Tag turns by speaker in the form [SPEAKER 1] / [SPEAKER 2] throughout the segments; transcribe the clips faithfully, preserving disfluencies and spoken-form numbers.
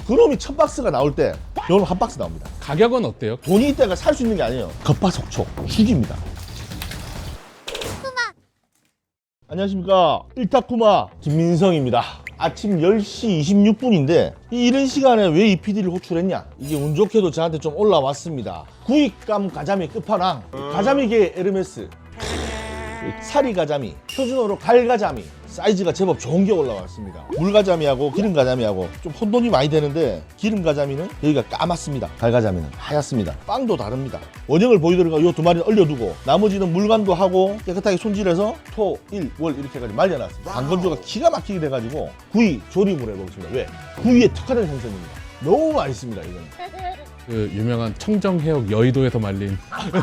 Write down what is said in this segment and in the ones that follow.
[SPEAKER 1] 그놈이 첫 박스가 나올 때 요놈 한 박스 나옵니다.
[SPEAKER 2] 가격은 어때요?
[SPEAKER 1] 돈이 있다가 살 수 있는 게 아니에요. 급파속촉 죽입니다. 안녕하십니까, 일타쿠마 김민성입니다. 아침 열 시 이십육 분인데 이런 시간에 왜 이 피디를 호출했냐, 이게 운 좋게도 저한테 좀 올라왔습니다. 구입감 가자미 끝판왕, 가자미계 에르메스 사리 가자미, 표준어로 갈가자미, 사이즈가 제법 좋은 게 올라왔습니다. 물가자미하고 기름가자미하고 좀 혼돈이 많이 되는데, 기름가자미는 여기가 까맣습니다. 갈가자미는 하얗습니다. 빵도 다릅니다. 원형을 보여드리고 이 두 마리는 얼려두고 나머지는 물간도 하고 깨끗하게 손질해서 토, 일, 월 이렇게 해가지고 말려놨습니다. 방건조가 기가 막히게 돼가지고 구이 조림으로 해보겠습니다. 왜? 구이에 특화된 생선입니다. 너무 맛있습니다. 이거는
[SPEAKER 2] 그 유명한 청정해역 여의도에서 말린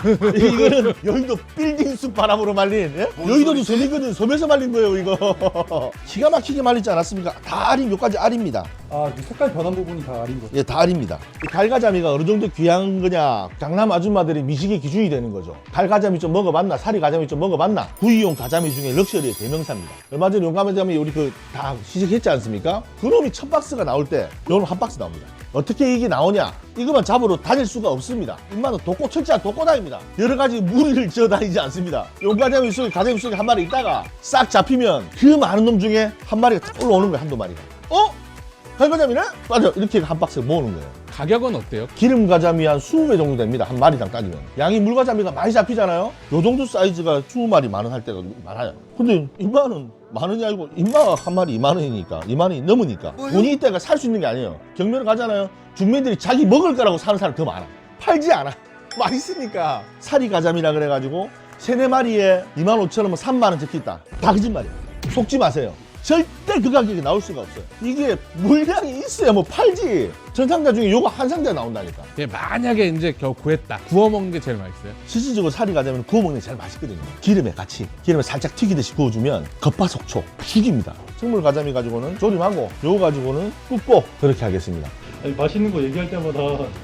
[SPEAKER 1] 이거는 여의도 빌딩숲 바람으로 말린, 예? 여의도도 섬이거든. 섬에서 말린 거예요 이거. 기가 막히게 말리지 않았습니까? 다 알임, 요까지 알입니다.
[SPEAKER 3] 아, 그 색깔 변한 부분이 다 알인 거죠?
[SPEAKER 1] 예, 다 알입니다. 이 갈가자미가 어느 정도 귀한 거냐, 강남 아줌마들의 미식의 기준이 되는 거죠. 갈가자미 좀 먹어봤나, 사리 가자미 좀 먹어봤나. 구이용 가자미 중에 럭셔리의 대명사입니다. 얼마 전에 용감하자미 우리 그 다 시식했지 않습니까? 그놈이 첫 박스가 나올 때 요놈 한 박스 나옵니다. 어떻게 이게 나오냐? 이것만 잡으러 다닐 수가 없습니다. 인마는 독고 철저한 독고다입니다. 여러 가지 무리를 지어 다니지 않습니다. 용가자미 속에, 가자미 속에 한 마리 있다가 싹 잡히면 그 많은 놈 중에 한 마리가 딱 올라오는 거예요. 한두 마리가. 어? 갈가자미네? 맞아. 이렇게 한 박스에 모으는 거예요.
[SPEAKER 2] 가격은 어때요?
[SPEAKER 1] 기름가자미 한 이십 배 정도 됩니다. 한 마리당 따지면. 양이 물가자미가 많이 잡히잖아요. 요 정도 사이즈가 이십 마리 만 원 할 때가 많아요. 근데 인마는 만 원이 아니고 인마가 한 마리 이만 원이니까, 이만 원이 넘으니까 돈이 있다가 살 수 있는 게 아니에요. 경매를 가잖아요. 중매들이 자기 먹을 거라고 사는 사람 더 많아. 팔지 않아. 맛있으니까. 사리 가자미라 그래가지고 세네 마리에 이만 오천 원이면 삼만 원 적혀있다. 다 거짓말이에요. 속지 마세요. 절대 그 가격이 나올 수가 없어요. 이게 물량이 있어야 뭐 팔지. 전 상자 중에 요거 한 상자 나온다니까.
[SPEAKER 2] 예, 만약에 이제 겨우 구했다. 구워 먹는 게 제일 맛있어요.
[SPEAKER 1] 실질적으로 사리 가자면 구워 먹는 게 제일 맛있거든요. 기름에 같이, 기름에 살짝 튀기듯이 구워주면 겉바속촉 죽입니다. 생물 가자미 가지고는 조림하고, 요거 가지고는 굽고 그렇게 하겠습니다.
[SPEAKER 3] 아니, 맛있는 거 얘기할 때마다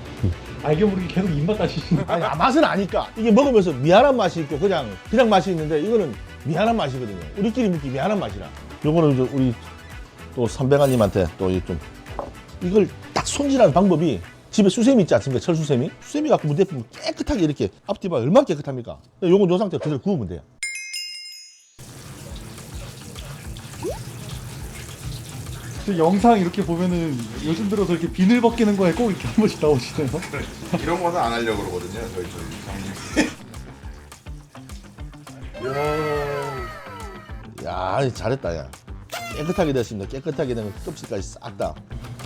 [SPEAKER 3] 알게 모르게 계속 입맛 다시시는
[SPEAKER 1] 아니, 아, 맛은 아니까. 이게 먹으면서 미안한 맛이 있고 그냥 그냥 맛이 있는데, 이거는 미안한 맛이거든요. 우리끼리 먹기 미안한 맛이라. 요거는 이제 우리 또 선배가님한테 또 좀 이걸 딱 손질하는 방법이, 집에 수세미 있지 않습니까? 철수세미? 수세미 갖고 무대 보면 깨끗하게 이렇게 앞뒤 봐. 얼마나 깨끗합니까? 요건 요 상태로 그대로 구우면 돼요.
[SPEAKER 3] 저 영상 이렇게 보면은 요즘 들어서 이렇게 비늘 벗기는 거에 꼭 이렇게 한 번씩 나오시네요.
[SPEAKER 4] 이런 거는 안 하려고 그러거든요. 저희 저희 장님.
[SPEAKER 1] 야, 잘했다, 야. 깨끗하게 됐습니다. 깨끗하게 된 껍질까지 싹 다.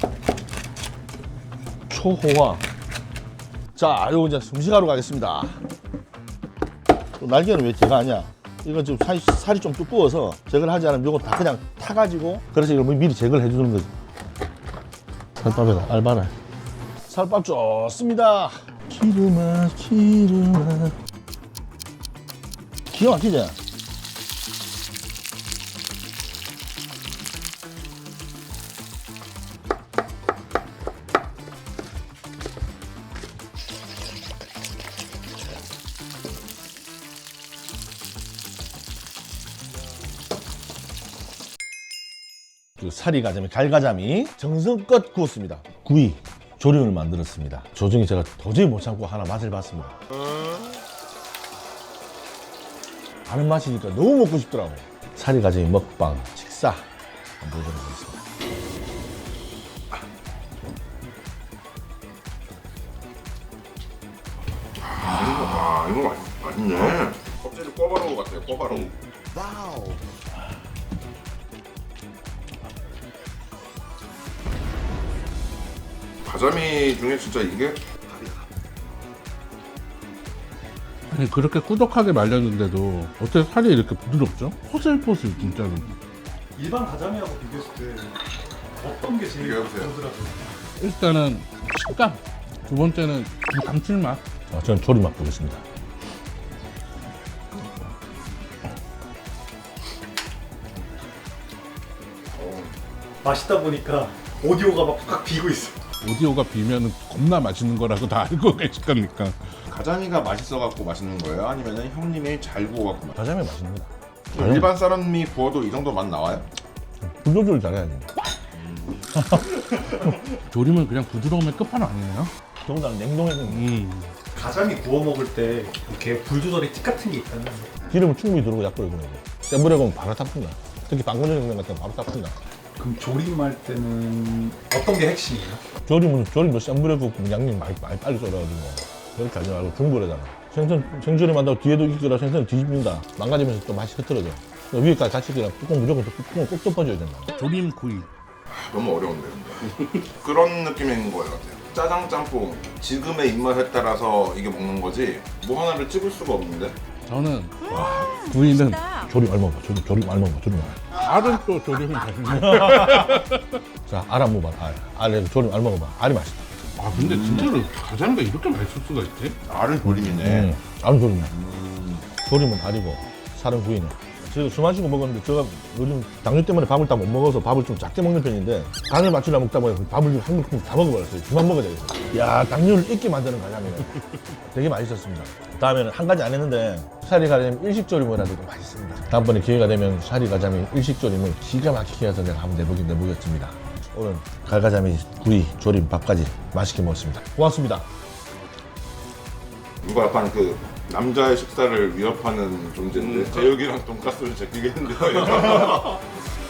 [SPEAKER 1] 초호화. 자, 요거 이제 음식하러 가겠습니다. 또 날개는 왜 제가 하냐? 이건 좀 살이, 살이 좀 두꺼워서 제거를 하지 않으면 요거 다 그냥 타가지고, 그래서 이걸 미리 제거를 해주는 거지. 살밥에다 알바네. 살밥 좋습니다. 기름아, 기름아. 기가 막히지? 그 사리 가자미, 갈가자미 정성껏 구웠습니다. 구이 조림을 만들었습니다. 조중에 제가 도저히 못 참고 하나 맛을 봤습니다. 아는 맛이니까 너무 먹고 싶더라고. 사리 가자미 먹방 식사 한번 보도록 하겠습니다.
[SPEAKER 4] 아 이거 맛 맛있네. 껍질이 꿔바로우 같아요. 꿔바로우. 가자미 중에 진짜 이게
[SPEAKER 2] 아니 그렇게 꾸덕하게 말렸는데도 어떻게 살이 이렇게 부드럽죠? 포슬포슬 진짜로.
[SPEAKER 3] 일반 가자미하고 비교했을 때 어떤 게 제일
[SPEAKER 4] 비교해보세요.
[SPEAKER 3] 부드러워요?
[SPEAKER 2] 일단은 식감, 두 번째는 그 감칠맛.
[SPEAKER 1] 자, 저는 조림 맛 보겠습니다.
[SPEAKER 3] 맛있다 보니까 오디오가 막 팍 비고 있어.
[SPEAKER 2] 오디오가 비면 겁나 맛있는 거라고 다 알고 계실 거니까.
[SPEAKER 4] 가자미가 맛있어갖고 맛있는 거예요? 아니면은 형님이 잘 구워갖고 맛?
[SPEAKER 1] 가자미 맛있습니다.
[SPEAKER 4] 일반 사람이 구워도 이 정도 맛 나와요?
[SPEAKER 1] 불 조절 잘해야지.
[SPEAKER 2] 조림은 그냥 부드러움의 끝판왕이에요.
[SPEAKER 1] 더군다나 냉동해서
[SPEAKER 2] 음.
[SPEAKER 3] 가자미 구워 먹을 때 이렇게 불 조절의 팁 같은 게 있다면
[SPEAKER 1] 기름을 충분히 두르고 약불에 구우면 돼. 센 불에 구우면 바로 타푼다. 특히 방건조 냉면 같은 거 바로 타푼다.
[SPEAKER 3] 그럼 조림할 때는 어떤 게 핵심이에요?
[SPEAKER 1] 조림은 조림도 센 불에 굽고 양념 많이, 많이 빨리 썰어가지고 그렇게 하지 말고 중불에다가 생선 생조림 한다고 뒤에도 익거나 생선을 뒤집는다. 망가지면서 또 맛이 흐트러져. 위에까지 같이 그냥 뚜껑 무조건 또 뚜껑을 꼭 덮어줘야 된다.
[SPEAKER 2] 조림 구이.
[SPEAKER 4] 너무 어려운데 근데 그런 느낌인 거예요. 짜장 짬뽕 지금의 입맛에 따라서 이게 먹는 거지 뭐 하나를 찍을 수가 없는데.
[SPEAKER 2] 저는 구이는
[SPEAKER 1] 조림 얼마 봐. 조림 조림 얼마 봐. 조림 얼마.
[SPEAKER 2] 알은 또 조림이 맛있네.
[SPEAKER 1] 자, 알 한번 봐. 알. 알에 조림 얼마 봐. 알이 맛있다.
[SPEAKER 2] 아 근데 진짜로 가자미가 이렇게 맛있을 수가 있지?
[SPEAKER 4] 알은 조림이네.
[SPEAKER 1] 음, 알은 조림이야. 조림은 알이고 살은 구이네. 제가 술 마시고 먹었는데 제가 요즘 당뇨 때문에 밥을 다 못 먹어서 밥을 좀 작게 먹는 편인데 간을 맞추려 먹다 보니 밥을 좀 한 그릇 다 먹어버렸어요. 그만 먹어야 되겠어요. 야, 당뇨를 잊게 만드는 가자미네. 되게 맛있었습니다. 다음에는 한 가지 안 했는데 샤리 가자미 일식조림을 해도 맛있습니다. 다음번에 기회가 되면 샤리 가자미 일식조림을 기가 막히게 해서 내가 한번 내보긴 내보겠습니다. 오늘 갈가자미 구이 조림 밥까지 맛있게 먹었습니다. 고맙습니다.
[SPEAKER 4] 이거 약간 그 남자의 식사를 위협하는 존재인데 제육이랑 돈가스를 제끼겠는데요.